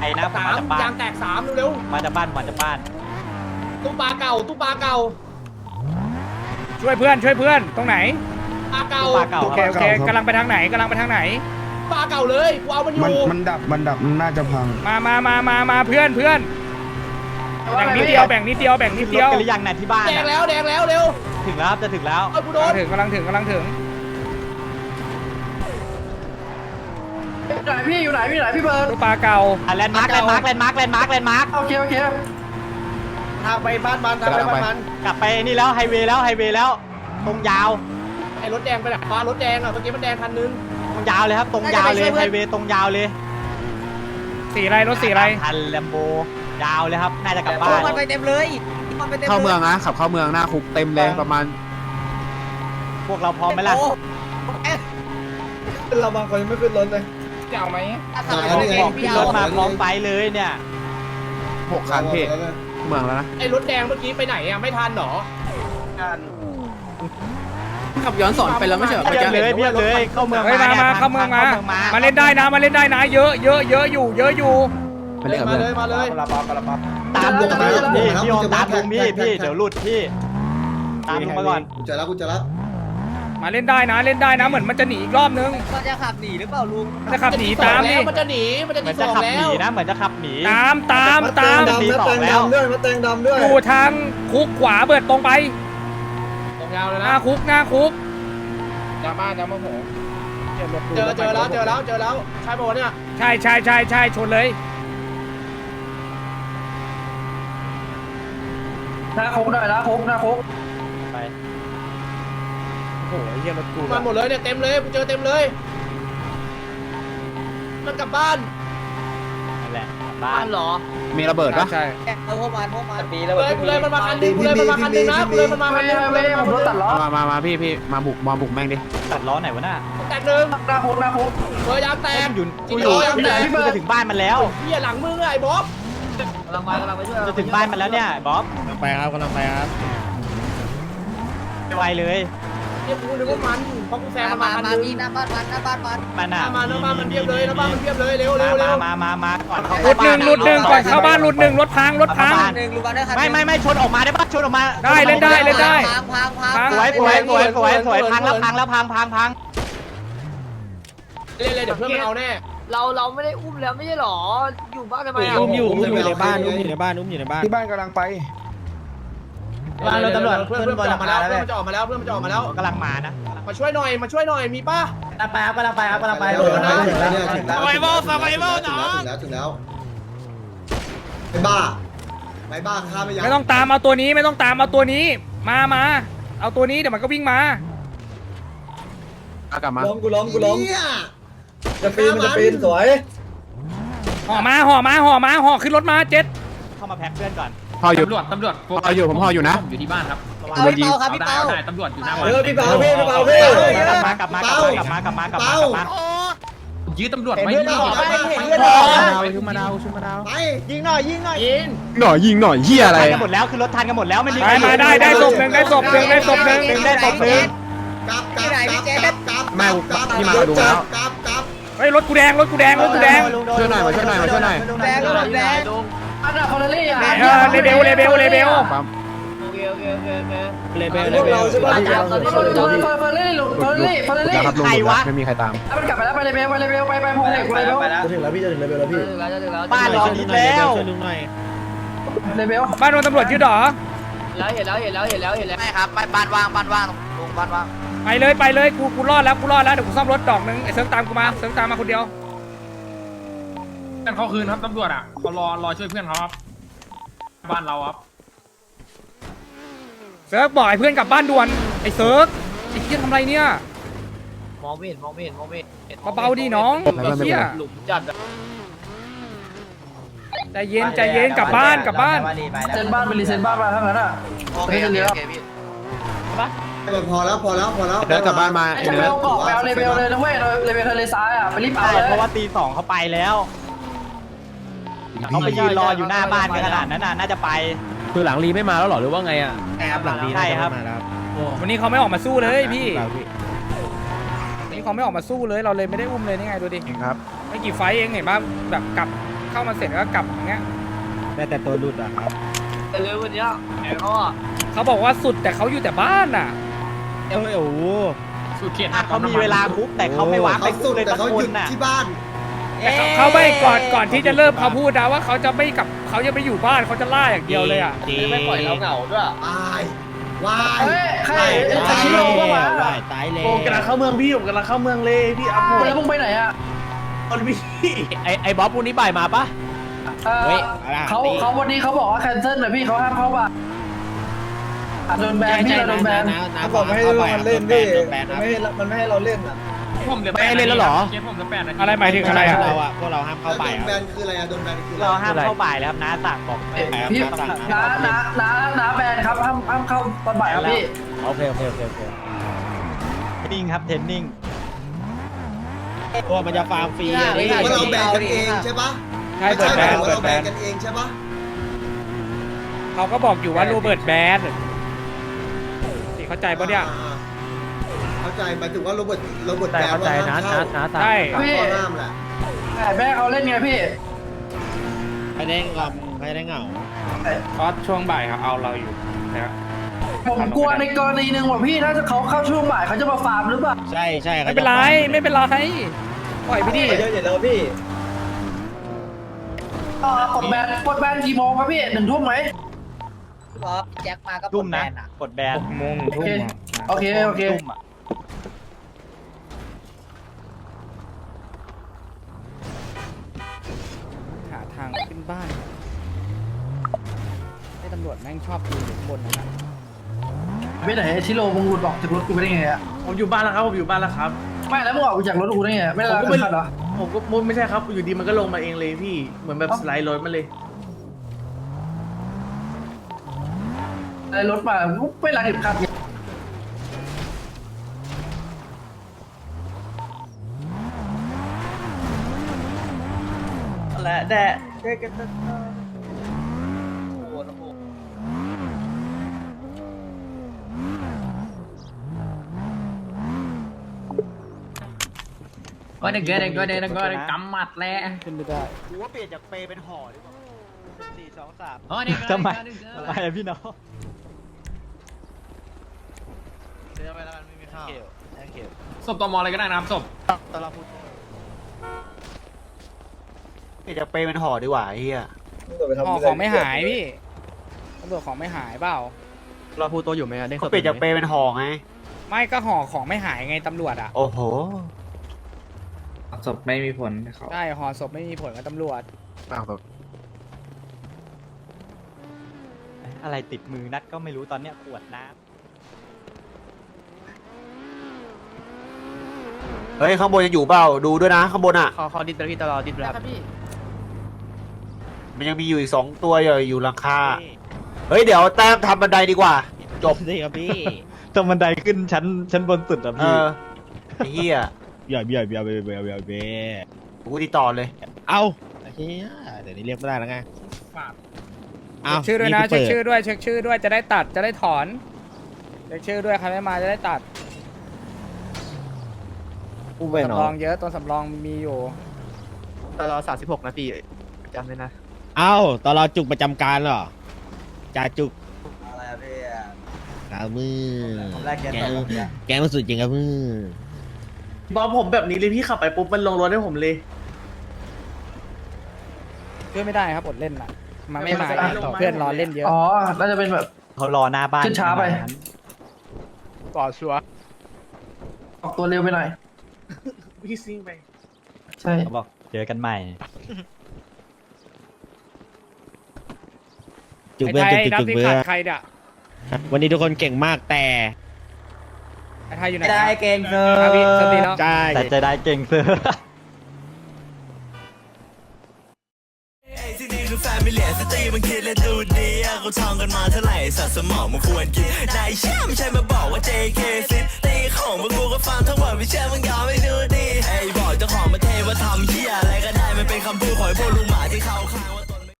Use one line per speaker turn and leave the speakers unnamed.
นะผมมาจากบ้าน
ยางแตก3เร็ว
มาจากบ้าน
ตู้ปลาเก่า
ช่วยเพื่อนตรงไหน
ปลาเก่า
ปลาเก่า
โอเค
ครับ
โอเคกำลังไปทางไหน
ปลาเก่าเลยกูเอามันอยู่
มันดับน่าจะพัง
มาเพื่อนแบ่งนิดเดียว
รถกันหรือยังน่ะที่บ้าน
แดงแล้วเร็ว
ถึงแล้วครับจะถึงแล้ว
เอากูโดน
กำลังถึง
อยู่ไหนพี่เบิร์ด
ลูกปลาเก่า
แลนด์มาร์ค
โอเค
ทางไปบ้านมัน
กลับไปนี่แล้วไฮเวย์แล้วตรงยาว
ไอ้รถแดงไปไหนรถแดงอ่ะเมื่อกี้มันแดงคันนึง
ตรงยาวเลยครับตรงยาวเลยไฮเวย์ตรงยาวเลย
สีอะไรรถสีอะไร
คันแลมโบยาวเลยครับน่าจะกลับบ้าน
มันไปเต็มเลยเข้าเมืองนะขับเข้าเมืองหน้าคุกเต็มเลยประมาณ
พวกเราพร้อมไหมล่ะ
เราบางคนยังไม่ขึ้นรถเลย
จะเอาไหม
บอกขึ้นรถมาพร้อมไปเลยเนี่ย
6 คันพี่เมืองแล้วนะ
ไอ้รถแดงเมื่อกี้ไปไหนอ่ะไม่ทันหรอ
ขับย้อนสอนไปแล้วไม่ใช่เหรอ
เพียบเลยเข้าเมือง
เฮ้ยมาเข้าเมืองมาเล่นได้นะเยอะอยู่
ไปเล่นกับเพื่อน
มาเลย
ตามลุงพี่โอมตามลุงพี่เดี๋ยวหลุดพี่ตามลุงมาก่อน
กูเจอแล้ว
มาเล่นได้นะเหมือนมันจะหนีอีกรอบนึง
มันจะขับหนีหรือเปล่าลุง
มันจะขับหนีตามนี่
มันจะหนี
เหมือนจะขับหนีนะเหมือนจะขับหนี
ตาม
ตีสองแล้ว
อยู่ทางคุกขวาเบิดตรงไป
ตรงยาวเลย
ห
นะ
น้าคุก
ยาบ้านยาโมโห
เจอแล้วใช่ป่าวเนี่ย
ใช่ชนเลย
หน้าคุกหน่อยหน้าคุก
ไป
โอ้โหเฮียรถกู
มันหมดเลยเนี่ยเต็มเลยกูเจอเต็มเลยมันกลับบ้าน
นั่นแหละบ้าน
เหรอ
มีระเบิดปะ
ใช่
พวกมัน
ปีเลยมันมาคันนึงมันมาคันนึงนะมันมาคันนึง
ผมรถตัดล้อ
มาพี่มาบุกแม่งดิ
ตัดล้อไหนวะน่ะ
แตกหนึ่ง
หน้าคุก
เบอร์ยางแตก
กูจะถึงบ้านมันแล้ว
เฮียหลังมึงไอ้บ๊อบ
กำลังไปช่วย
จะถึงบ้านมันแล้วเนี่ยบ๊อบ
กำลังไปครับ
ไวเลย
เนี่ยกูนึกว่ามันเพราะกูแซงมันมาคัน
มา
นึง
มีหน้าบ้านมัน
มันอ่ะ
มาแล้วบ้านมันเพียบเลยแล้วบ้านมันเพียบเลยเร็ว
มาก่อน
หลุดหนึ่งก่อนเข้าบ้านหลุดหนึ่งรถพัง
1ลูกบ้านได้คัน
ไม่ชนออกมาได้ปะชนออกมา
ได้เล่นได้
พัง
สวยพังแล้วพัง
เล่นเลยเดี๋ยวเพื่อนมันเอาแน่
เราไม่ได้อุ้มแล้วไม่ใช่หรอ อยู่บ้านทำไมอ่ะ
อุ้มอยู่ในบ้านที่บ้านกำลังไป
บ้านเราตำรวจเพื่อนมันจะออกมาแล้วเพื่อนมันจะออกมาแล้ว
กำลังมานะ
มาช่วยหน่อยมีป่ะ
กำลังไป
ถึงแล้วถึงแล้วไอ้บ้าข้าไม่ยั
ไม่ต้องตามเอาตัวนี้มาเอาตัวนี้เดี๋ยวมันก็วิ่งมา
กลับมา
กูล้มจะปีนสวย
ห่อขึ้นรถมาเจ็ด
เข้ามาแพ็คเพื่อนก่อน
ห่ออยู่
ตำรวจ
ผมห่ออยู่นะ
อยู่ที่บ้านครับ
โดนยิง
พี่เปาตำรวจอยู่หน้าบ้าน
พี่เปาก
ลับมา
ยื้อตำรวจไว้
ชุบมาดาวไปยิงหน่อย
ยิงหน่อยเฮียอะไร
ทันกันหมดแล้วคือรถทันกันหมดแล้วไม่มี
มาได้ศพหนึ่งได้ศพหนึ่ง
กลับพี่มาดูแล้ว
เฮ้ยรถกูแดง
ช่วยหน่อยมาช่วยหน่อย
แดงก็แดง
อันดับคอร์เรี่อ่ะ
เลเบล
ปั๊ม
โอเค
พวกเราใช่ป่ะ
คอร์เรี่
ครับลุงไม่มีใครตาม
มันกลับไปแล้วไปเลยไปพงเด็กไปแล้ว
จะถึงแล้วพี่จะถึงแล้วพี่
บ้านเราดีแล้ว
เลยเบล
บ้านโดนตำรวจยึดหรอ
เห็นแล้ว
ไม่ครับบ้านว่างลุงบ้านว่าง
ไปเลยกูรอดแล้วเดี๋ยวกูซ่อมรถดอกนึงไอ้เซิร์ฟตามกูมาคนเดียว
กันเขาคืนครับตำรวจอ่ะเขารอช่วยเพื่อนเขาครับบ้านเราครับ
เซิร์ฟบอกไอ้เพื่อนกลับบ้านด่วนไอ้เซิร์ฟไอ้เหี้ยทำไรเนี่ย
มองไม่เห็น
เบาๆดิน้องไอ้เหี้ย
หลุมจัด
ใจเย็นกลับบ้าน
เซ็นบ้านเป็นรีเซ็นบ้านมาทั้งนั้นอ่ะ
โอเคพี่
พอแล้ว
เดินกลับบ้านมา
ไอ้เบลเกาะไปเอาเลเบลเลยนะเว้ยเลเบลทะเลซ้ายอ่ะไปรีบเอาเลย
เพราะว่าตี2เขาไปแล้วเขาไปยืนรออยู่หน้าบ้านกันขนาดนั้นน่าจะไป
คือหลังรีไม่มาแล้วหรอหรือว่าไงอ่ะ
หลังดี
ใช่ครับ
วันนี้เขาไม่ออกมาสู้เลยพี่วันนี้เขาไม่ออกมาสู้เลยเราเลยไม่ได้อุ้มเลยนี่ไงดูดิ
ครับ
ไม่กี่ไฟเองเห็นป่ะแบบกลับเข้ามาเสร็จก็กลับอย่างเงี้ย
แต่ตัวรุดอะครับ
แต่เร็ววันเนี้ยแกเขาอ่ะ
เขาบอกว่าสุดแต่เขาอยู่แต่บ้านอ่ะ
โอ้โห
สุดเขต
เขามีเวลาคุกแต่เขาไม่วางไป
เขา
คุ
สุ
ก
ด
เลย
แต่
ตะ
เขา
โก
หยุ
น
ด
น่ะ
ที่บ้าน
แต่เขาไม่ก่อนที่จะเริ่มเขาพูดนะว่าเขาจะไม่กลับเขาจะไปอยู่บ้านเขาจะล่าอย่างเดียวเลยอ่ะ
ไม่ปล่อยเราเหงาด้วย
ตายวาย
ใครไอ้ชิโร่ปะวะ
ตายเลย
ผมกำลังเข้าเมืองพี่ผมกำลังเข้าเมืองเลยพี่อัพแล้วมึงไปไหนอ่ะคนพี่
ไอ้บ๊อบพวกนี้บ่ายมาปะ
เฮ้ย
เขาวันนี้เขาบอกว่าแคนเซิลนะพี่เขาห้ามเข้าบ้านโดนแบนพี่โดนแบน
เขาบอกไม่ให้มันเล่นพี่มันไม่ให้เราเล่น
ผมเหลือ
ไม่ให้เล่นแล้วเหรอ
เคสผมเหลือ8 นาที
อะไรหมายถึงอะไรอ่ะ
พวกเราห้ามเข้า
แล้ว
ไป
โดนแบนคืออะไรอะโดนแบนคืออะไร
เราห้ามเข้าบ่ายแล้วครับน้าสั่งบอก
พี่น้าแบนครับห้ามเข้าตอนบ่ายครับพี่
โอเค
เทรนนิ่งครับเทรนนิ่ง
ตัวมันจะฟาร์มฟรี
ว่าเราแบนกันเองใช่ปะ
ใช่เปิดแบน
ว่า
เปิด
เรา
แบ
แบน
น
กันเองใช่ปะ
เขาก็บอกอยู่ว่าโรเบิร์ตแบนนี่เข้าใจปะเนี่ย
เข้าใจหมายถึงว่าโรเบิร์ต
แต่
แบน
เข้า
ว่า
ใจ
ห้าม
นะ
เข้า
นะ
ใช่
ตามข้อห้ามแหละ
แต่แม่เขาเล่นไงพี่
ไม่ได้งอมไม่ได้เหงา
เพราะช่วงบ่ายเขาเอาเราอยู่นะ
ผมกลัวในกรณีหนึ่งว่าพี่ถ้าเขาเข้าช่วงบ่ายเขาจะมาฟาร์มหรือเปล่า
ใช่
ไม่เป็นไรไม่เป็นไรปล่อยไปดิ
เยอะอย่างแล้วพี่กดแบนกี่โมงครับพี่1 ทุ่มไหม
แจ็คมาก็
ทุ่มนะกดแบน
โมงทุ่ม
โอเค
ทุ่มอ่ะ
หาทางขึ้นบ้านให้ตำรวจแม่งชอบดูอยู่ข้างบนนะ
ไปไหนชิโร่มึงหลุดออกจากรถกูไปได้ไงอะ
ผมอยู่บ้านแล้วครับผมอยู่บ้านแล้วครับ
ไม่แล้วมึงออกจากรถกูได้ไงไม่ได้รับเงินเหรอ
ผมก็ไม่ใช่ครับอยู่ดีมันก็ลงมาเองเลยพี่เหมือนแบบสไลด์รถมาเลย
อะไรรถมาไม่รักเข็มขัด
และแดะ
ก็เด็กกำหมัดแล้ว
ขึ้นไม่ได้
กูว่าเปลี่ยนจากเปเป็นห่อดีกว่า4 2 3
อ๋อนี่
ทำไมอะพี่น้อง
เดี๋ยวไปแล้วกันไม่มีข้าวเก็บ
ศพตมอะไรก็ได้นะครับศพ
ตอนเราพูดเปลี่ยนจากเปเป็นห่อดีกว่าไอ้เหี้ย
ห่อของไม่หายพี่ตำรวจของไม่หายเปล่า
เราพูดตัวอยู่ไหมได้
เขาเปลี่ยนจากเปเป็นห่อไง
ไม่ก็ห่อของไม่หายไงตำรวจอ่ะ
โอ้โห
ศพไม่มีผลเขา
ใช่ห่อศพไม่มีผลกับตำรวจ
อะไรติดมือนัดก็ไม่รู้ตอนเนี้ยขวดน้ำเฮ้ยข้างบนยังอยู่เปล่าดูด้วยนะข้างบนอ่ะ
เขาดิดไปพี่ตลอดดิดแล้ว
มันยังมีอยู่อีก2 ตัวอยู่หลังคาเฮ้ยเดี๋ยวแต้มทำบันไดดีกว่าจบ
สิครับพี่
ตรงบันไดขึ้นชั้นบนสุดอ่ะพี่ไอ้เหี้ย
อย่า
กูติดต่อเลย
เอาเฮียเดี๋ยวนี้เรียกไม่ได้แล้วไง
เช็คชื่อด้วยนะเช็คชื่อด้วยเช็คชื่อด้วยจะได้ตัดจะได้ถอนเช็คชื่อด้วยใครไม่มาจะได้ตัด
ผู้ไปหน
สำรองเยอะตัวสำรองมีอยู่
ตลอด36 นาทีจำเลยนะ
เอ้าตอนเราจุกประจำการเหรอจ่าจุก
อะไรอะพี่
กามือ
ผมแรกแก
แกมันสุดจริงครับมือ
บอสผมแบบนี้เลยพี่ขับไปปุ๊บมันลงรถให้ผมเลย
ช่วยไม่ได้ครับอดเล่นอ่ะมาไม่มาเพื่อนรอเล่นเยอะ
อ๋อน่าจะเป็นแบบ
เขารอหน้าบ้าน
ขึ้นช้าไป
ก่อชัว
ออกตัวเร็วไปหน่อย
พี่ซิ่งไป
ใช่
เขาบอกเจอกันใหม่
จุก
ไอ้
เบื่อ
ไทย
จุก
นับ
จุก
ที่
เบื่อ
ขาดใครเนี่ย
วันนี้ทุกคนเก่งมากแต่
ไอ้ไทยอยู่ไหน
ได้เก่งเซอร์
พี่สตีแล้ว
ใช่
แต่จะได้เก่งเสือ
ที่นี่คือแฟมิเลียสตรีมันคิดและดูดีเขาท่องกันมาเท่าไหร่สัตว์สมองมันควรกินนายเชื่อไม่ใช่มาบอกว่า JK ซิตีของพวกกูก็ฟังทั้งหมดไม่เชื่อมึงยอมไม่ดูดีไอ้บอกเจ้าของมาเทว่าทำเหี้ยอะไร